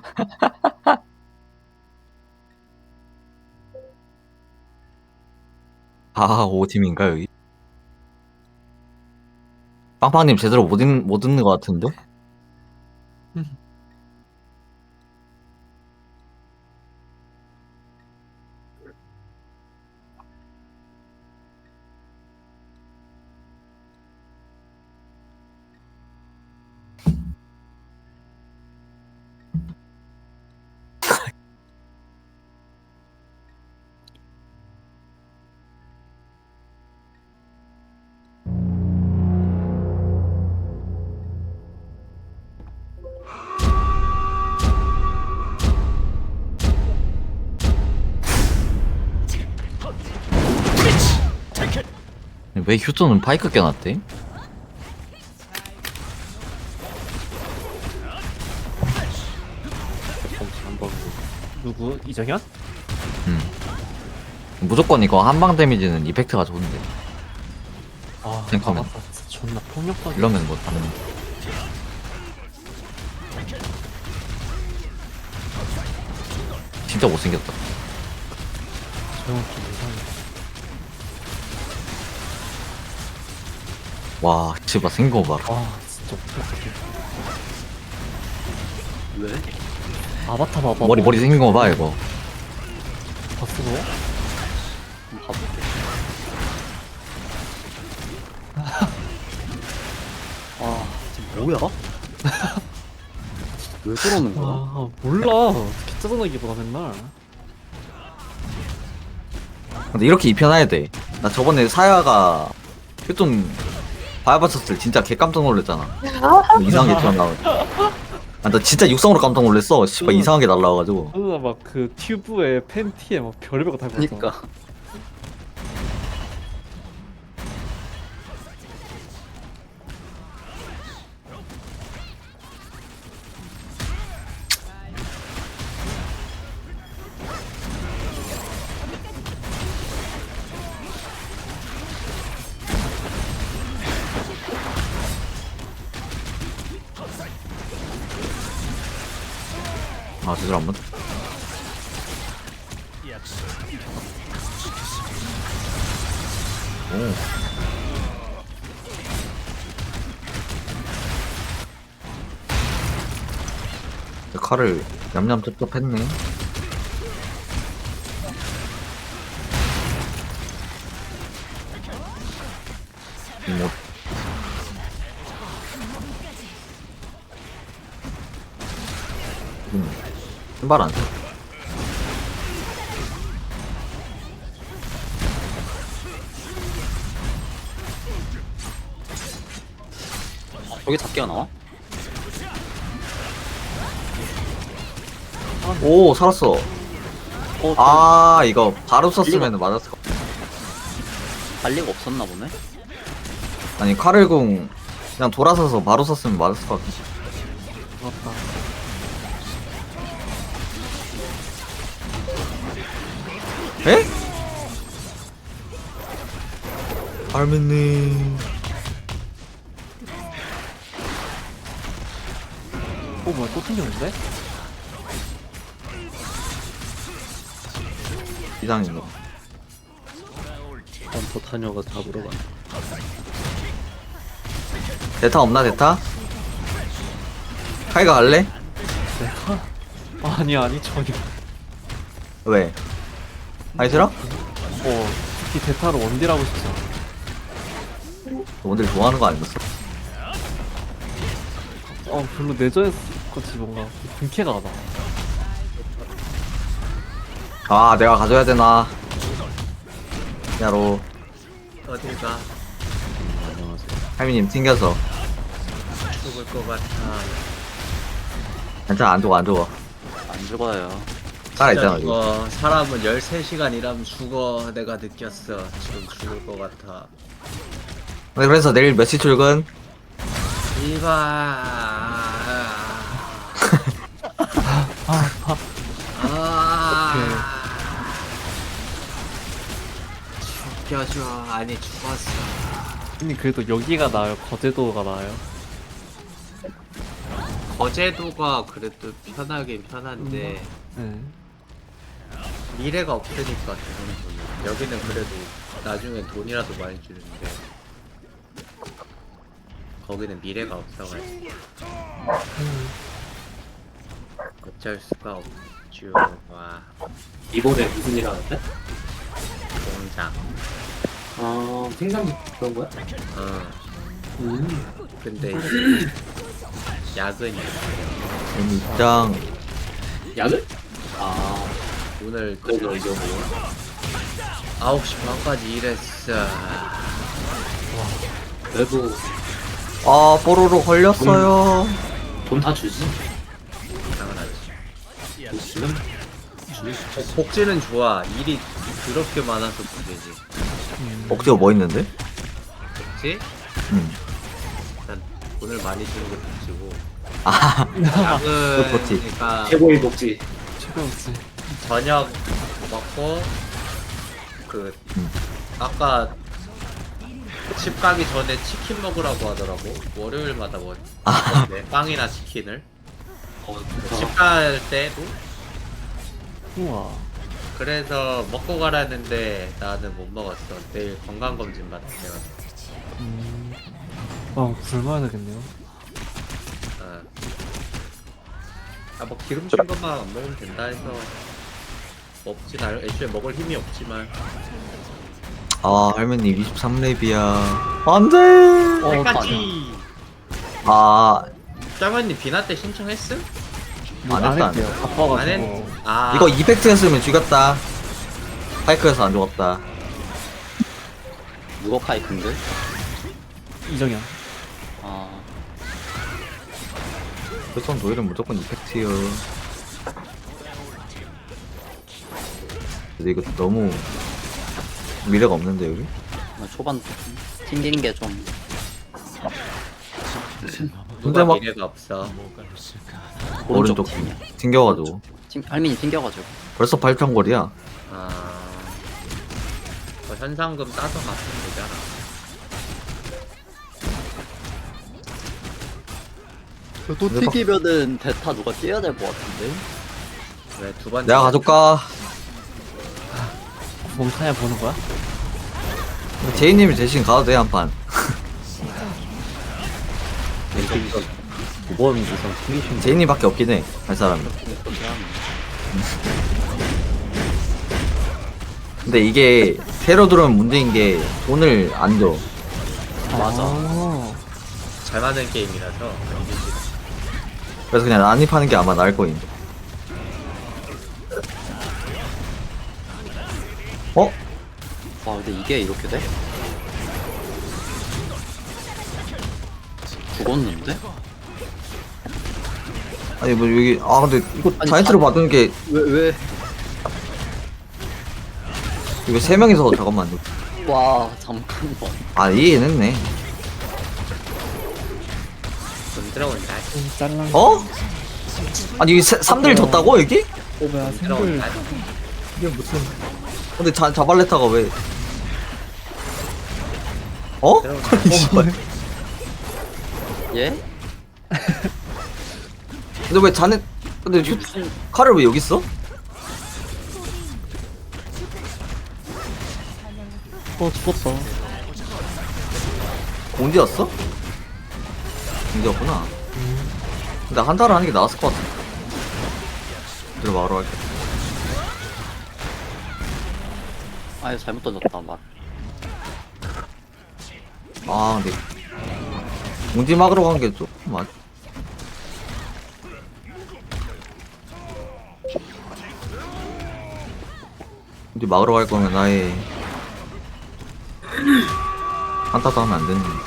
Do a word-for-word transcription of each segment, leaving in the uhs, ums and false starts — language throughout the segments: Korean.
아, 오 팀인가 여기? 빵빵님 제대로 못, 읽, 못 듣는 것 같은데? 왜 휴톤은 파이크 껴놨대? 한번 누구? 이정현? 음. 무조건 이거 한방 데미지는 이펙트가 좋은데. 아, 탱커면. 아 맞다. 진짜 존나 폭력적이야. 이러면 뭐 다른. 진짜 못생겼다. 저형 좀 이상해. 와, 씨발 생긴 거 봐라. 아 진짜 어떡해. 왜? 아바타 봐봐. 머리 머리 생긴 거 봐 이거. 봤어 너? 한번 가볼게. 아, 지금 뭐야? 왜 그러는 거야? 아 몰라. 개 짜증나게 보다 맨날. 근데 이렇게 입혀놔야 돼. 나 저번에 사야가 휴톤 바이바쳤을 때 진짜 개 깜짝 놀랐잖아. 이상하게 튀어나와. 아, 나 진짜 육성으로 깜짝 놀랐어. 씨발 응. 이상하게 날라와가지고. 그러다 막 그 튜브에 팬티에 막 별의별 거 달고 있어. 그니까. 아, 제대로 안 맞. 오. 칼을 냠냠 쩝쩝했네. 뭐. 음. 신발 안 써. 저게 작게가 나와? 오, 살았어. 어, 아, 이거 바로 썼으면 맞았을 것 같아. 발리가 없었나 보네? 아니, 칼을궁 그냥 돌아서서 바로 썼으면 맞았을 것 같아. 맞다. 에? 알겠네. 어 뭐야 또 튕겼는데? 이상인 거. 던터 타녀가 잡으러 가. 대타 없나, 대타? 카이가 갈래? 내가? 아니 아니 전혀. 왜? 아니, 싫어? 어 특히 대타로 원딜하고 싶지 않아. 원딜 좋아하는 거 아니었어? 어 별로 내전했었지 뭔가 불쾌가 하다. 아, 내가 가져야 되나? 야로. 어딜 가? 안녕하세요. 할미님 튕겨서. 죽을 것 같아. 괜찮아, 안 죽어, 안 죽어. 안 죽어요. 살아있잖아, 지금. 죽어. 사람은 열세 시간 일하면 죽어. 내가 느꼈어. 지금 죽을 것 같아. 네, 그래서 내일 몇 시 출근? 이봐. 아. 죽여줘. 아니 죽었어. 근데 그래도 여기가 나아요? 거제도가 나아요? 거제도가 그래도 편하긴 편한데 네. 미래가 없으니까 대부분은. 여기는 그래도 나중에 돈이라도 많이 주는데 거기는 미래가 없어가지고 어쩔 수가 없죠. 와, 이번에 무슨 일 하는데? 공장. 아, 생산 그런 거야? 어, 음. 근데 이제 야근이 입장. 약을? 아, 오늘 그래서 이제 뭐 아홉 시 반까지 일했어. 외부 아, 뽀로로 걸렸어요. 돈 다 주지? 당연하지. 지금 주지? 복- 복지는 좋아. 일이 그렇게 많아서 문제지. 억지가 뭐 있는데? 복지? 음. 일단 돈을 많이 주는 게 복지고 아, 복지. 야근이니까 최고의 복지. 최고 없지. 저녁 먹고 그 음. 아까 집 가기 전에 치킨 먹으라고 하더라고. 월요일마다 뭐 먹는데 빵이나 치킨을 어, 집 갈 때도. 우와. 그래서 먹고 가라는데 나는 못 먹었어. 내일 건강검진 받을 때가. 음. 아, 굶어야 되겠네요. 어. 아뭐 기름진 것만 안 먹으면 된다 해서 먹진 않. 애초에 먹을 힘이 없지만. 아, 할머니 이십삼 렙이야. 안 돼! 어, 때까지. 아, 짜만님 비나 때 신청했음? 안 안 했다, 안 했대요. 했다. 바빠가지고. 안 했. 아 이거 이펙트였으면 죽였다. 파이크여서 안 죽었다. 누가 파이크인데? 이정현. 아, 그선 노일은 무조건 이펙트요. 근데 이거 너무 미래가 없는데 여기? 나 초반 튕긴 게 좀. 누가 막- 미래가 없어. 오른쪽 튕겨가지고 튕, 할민이 튕겨가지고. 벌써 발전거리야. 아 뭐 현상금 따서 갔으면 되잖아. 또 근데 막- 튀기면은 대타 누가 뛰어야 될 것 같은데? 왜 두 번? 내가 가져가. 몽타냐 보는 거야? 제이님이 대신 가도 돼 한 판. 두 번 이상 튕기신 제이님밖에 없긴 해. 할 사람이. 근데 이게 새로 들어오면 문제인 게 돈을 안 줘. 맞아. 아, 잘 맞는 게임이라서 넘기지. 그래서 그냥 난입하는 게 아마 나을 거임. 어? 와, 근데 이게 이렇게 돼? 죽었는데? 아니 뭐 여기 아 근데 이거 아니, 자이언트로 다- 받은 게 왜, 왜? 이거 세 명이서 잠깐만. 와, 잠깐만. 아 이해는 했네. 돈 들어온다. 좀 짤랑. 어? 아니 이게 삼 대 일 졌다고 여기? 어, 뭐야, 돈 들어온다. 이게 무슨. 근데 자, 자발레타가 왜? 어? 들어온다. 아니 씨발. 예? 근데 왜 자네? 근데 휴, 무슨 칼을 왜 여기 있어? 어, 죽었다. 공지였어? 공지였구나. 근데 한타를 하는 게 나았을 것 같아. 들어 바로 할게. 아유 잘못 던졌다 말. 아 근데 공지 막으러 간 게 조금 맞. 공지 막으러 갈 거면 아예 한타도 하면 안 되는데.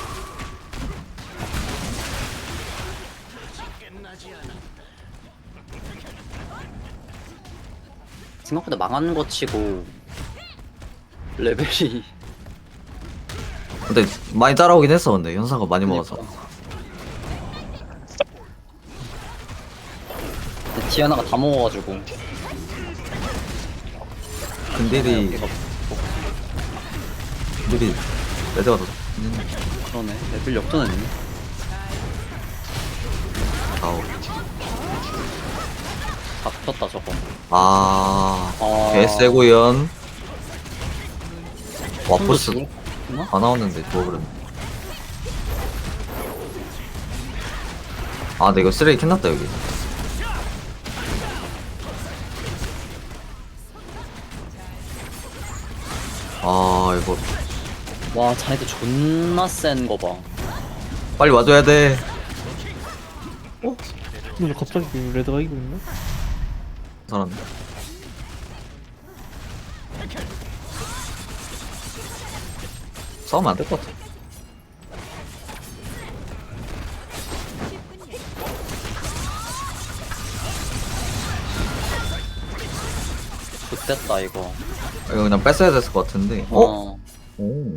생각보다 망한 거 치고 레벨이 근데 많이 따라오긴 했어. 근데 현상가 많이 먹어서. 근데 디아나가 다 먹어가지고 근딜이 근딜이 레드가 더 좋긴 했네. 그러네. 레벨 역전했네. 아우. 다 붙었다 저거. 아, 아. 개세구연. 와, 보스 죽었구나? 다 나왔는데 죽어버렸네. 아, 근데 이거 쓰레기 캔났다, 여기. 아, 이거 와 자네들 존나 센 거 봐. 빨리 와줘야 돼. 근데 갑자기 레드가 이기고 있나? 살았네. 싸우면 안 될 것 같아. 좋됐다 이거. 이거 그냥 뺐어야 됐을 것 같은데. 어? 어. 오.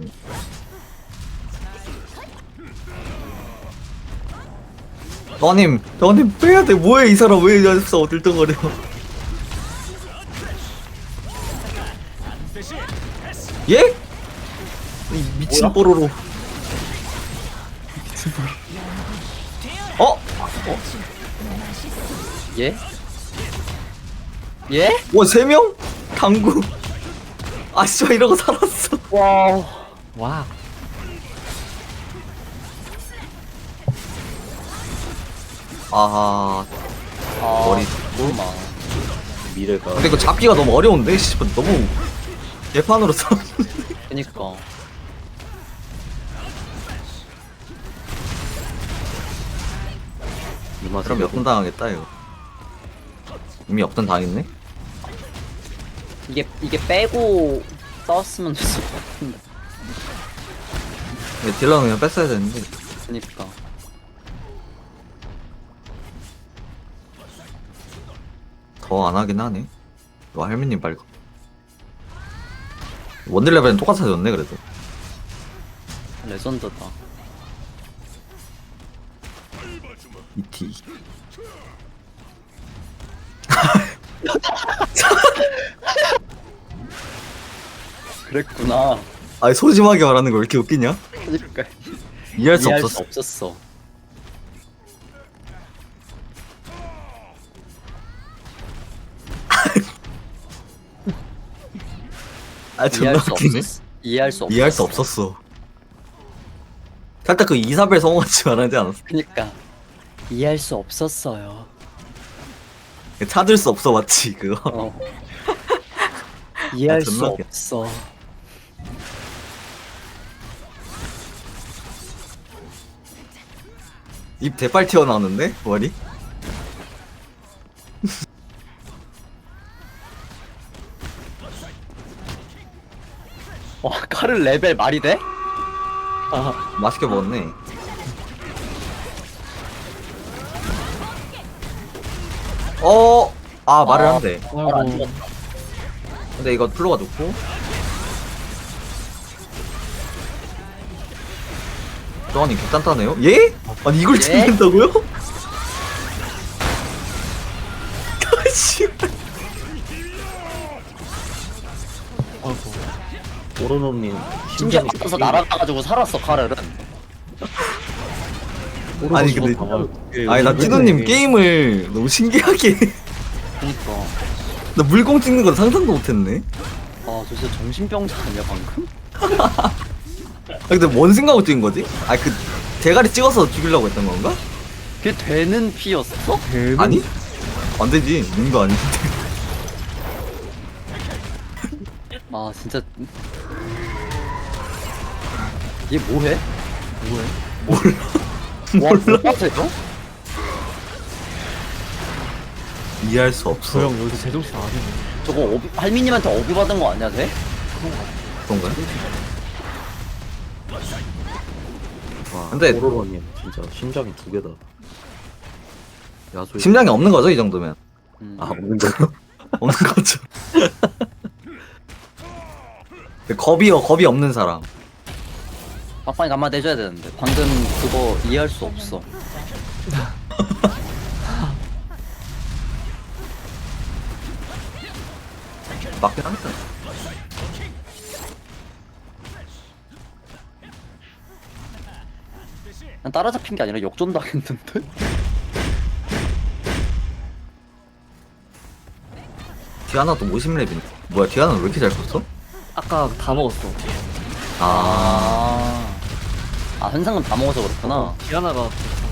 너님, 너님 빼야 돼. 뭐해 이 사람 왜 연습사 어들덩거려? 예? 이 미친 뭐야? 뽀로로. 어? 예? 예? 와, 세 명? 당구. 아, 씨발 이러고 살았어. 와. 와. 아하. 아, 머리 얼마. 미래가. 근데 이거 잡기가 너무 어려운데? 씨발 너무 개판으로 써. 그니까. 그럼 역전 당하겠다 이거. 이미 역전 당했네? 이게 이게 빼고 싸웠으면 됐을 것 같은데. 근데 딜러는 그냥 뺐어야 되는데. 그니까. 더 안 하긴 하네. 이거 할미님 빨리 가. 원딜 레벨은 똑같아졌네 그래도. 레전드다. 이티. 그랬구나. 아니 소심하게 말하는 거 왜 이렇게 웃기냐? 그니까. 이해할 수 이해할 없었어. 수 없었어. 아 존나 이해할 수 웃기네. 없었어. 이해할 수 없었어. 이해할 수 없었어. 살짝 그 이사벨 성우같이 말하지 않았어? 그니까. 이해할 수 없었어요. 찾을 수 없어 맞지 그거. 어. 이해할 아, 수 존나 웃겨. 없어. 입 대빨 튀어나오는데 머리? 와, 칼을 레벨 말이 돼? 아, 맛있게 먹었네. 어, 아 말을 아. 한대. 말 안 아이고. 죽었다. 근데 이거 플로가 좋고. 조한이 괜찮다네요? 예? 아니 이걸 예? 찍는다고요? 씨. 아이고. 오로노님 심지어 맞아서 날아가가지고 살았어, 칼을은. 아니 근데 예, 아니 나 왜 찌누님 그래? 게임을 너무 신기하게 그니까. 나 물공 찍는 건 상상도 못했네. 아, 저 진짜 정신병자 아니야, 방금? 아 근데 뭔 생각으로 찍은 거지? 아 그 대가리 찍어서 죽이려고 했던 건가? 그게 되는 피였어? 대박. 아니? 안 되지. 눈도 아닌데. 아, 진짜. 얘 뭐해? 뭐해? 와, 뭐하세요? 이해할 수 없어. 저 형 여기서 제정신 아니네. 저거 어비, 할미님한테 어비 받은 거 아니야, 쟤? 그런가요? 와, 근데 오로노님 진짜 심장이 두 개다. 야수 심장이 없는 거죠 이 정도면? 음. 아 없는 거. 없는 거죠. 근데 겁이요 겁이 없는 사람. 빡빡이 가만 내줘야 되는데. 방금 그거 이해할 수 없어. 맞긴 하겠다. 난 따라잡힌 게 아니라 역전당했는데? 디아나 또 오십 렙이네. 뭐야 디아나는 왜 이렇게 잘 컸어? 아까 다 먹었어. 아 아, 아 현상금 다 먹어서 그렇구나. 디아나가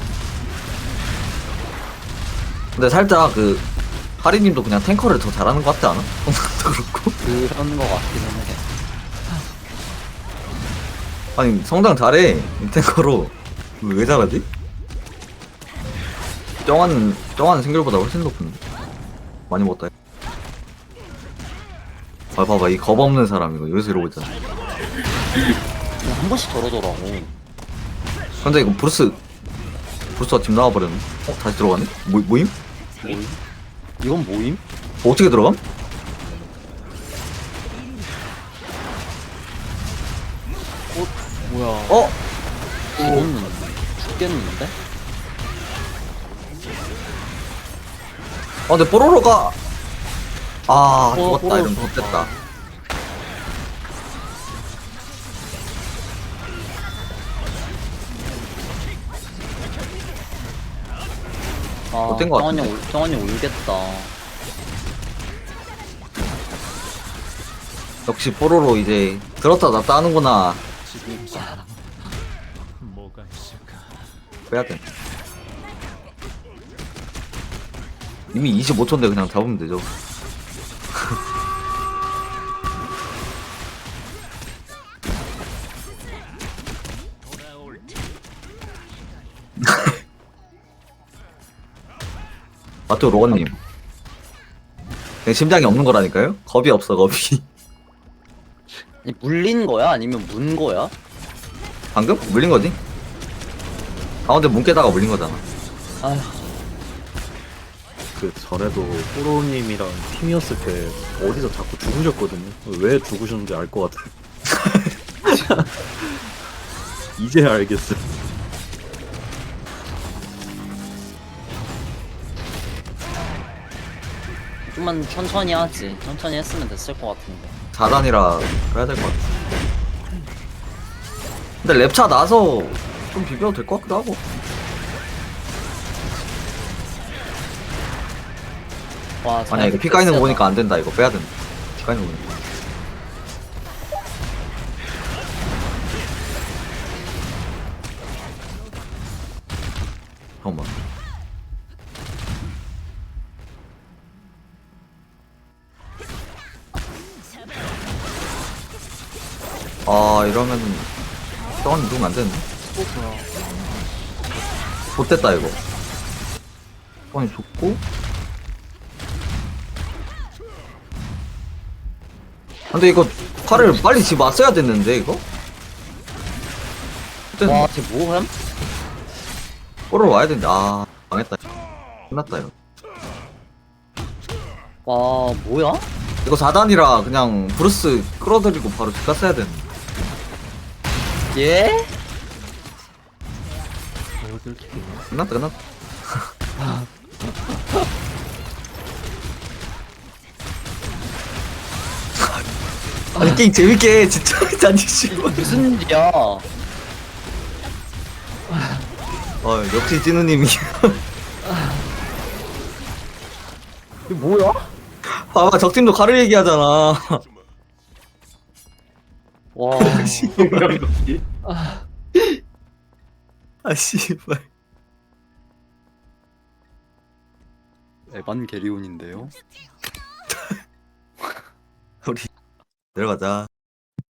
근데 살짝 그 하리님도 그냥 탱커를 더 잘하는 것 같지 않아? 성장도 그렇고. 그런 거 같기는 해. 아니 성장 잘해 이 탱커로. 왜, 왜 잘하지? 정한 정한 생결보다 훨씬 높은데. 많이 먹었다. 아 봐봐 이 겁 없는 사람 이거 여기서 이러고 있잖아. 그냥 한 번씩 저러더라고. 근데 이거 브루스 브루스가 집 나와버렸네. 어 다시 들어가네? 뭐 모임? 모임? 이건 모임? 어, 어떻게 들어감? 뭐야? 어? 죽었는데? 죽겠는데? 어 근데 뽀로로가 아 어, 죽었다 뽀로로 이러면 죽었다. 좋겠다. 아, 못된 것 정한이 같은데? 울, 정한이 울겠다. 역시 뽀로로 이제 들었다 놨다 하는구나. 빼야 돼. 이미 이십오 초인데 그냥 잡으면 되죠. 맞죠 로건님? 그냥 심장이 없는 거라니까요? 겁이 없어 겁이. 이 물린 거야? 아니면 문 거야? 방금? 물린 거지? 가운데 문 깨다가 물린 거잖아. 아휴, 그 전에도 뽀로님이랑 팀이었을 때 어디서 자꾸 죽으셨거든요. 왜 죽으셨는지 알 것 같아요. 이제 알겠어요. 좀만 천천히 하지. 천천히 했으면 됐을 것 같은데. 사 단이라 그래야 될 것 같아. 근데 랩차 나서 좀 비벼도 될 것 같기도 하고. 와, 아니야 이거 피 까이는 거 보니까 안 된다. 이거 빼야 된다. 피 까이는 거 보니까. 잠깐만. 아 이러면 덩은 누우면 안 되는데. 또 뭐야? 좋됐다 이거. 덩이 좋고. 근데 이거 칼을 빨리 집 왔어야 됐는데 이거? 와, 쟤 뭐함? 꼬러 와야 되는데 아 망했다. 끝났다 이거. 와, 뭐야? 이거 사 단이라 그냥 브루스 끌어들이고 바로 집 갔어야 되는데. 예? 어딜 이렇게 되냐? 끝났다 끝났다. 아니 게임 재밌게 해 진짜. 아니 씨발. 무슨 일이야? 어 역시 찐우님이. 이게 뭐야? 봐봐 적팀도 가를 얘기하잖아. 와, 아 씨발. 에반 게리온인데요? 우리 내려가자.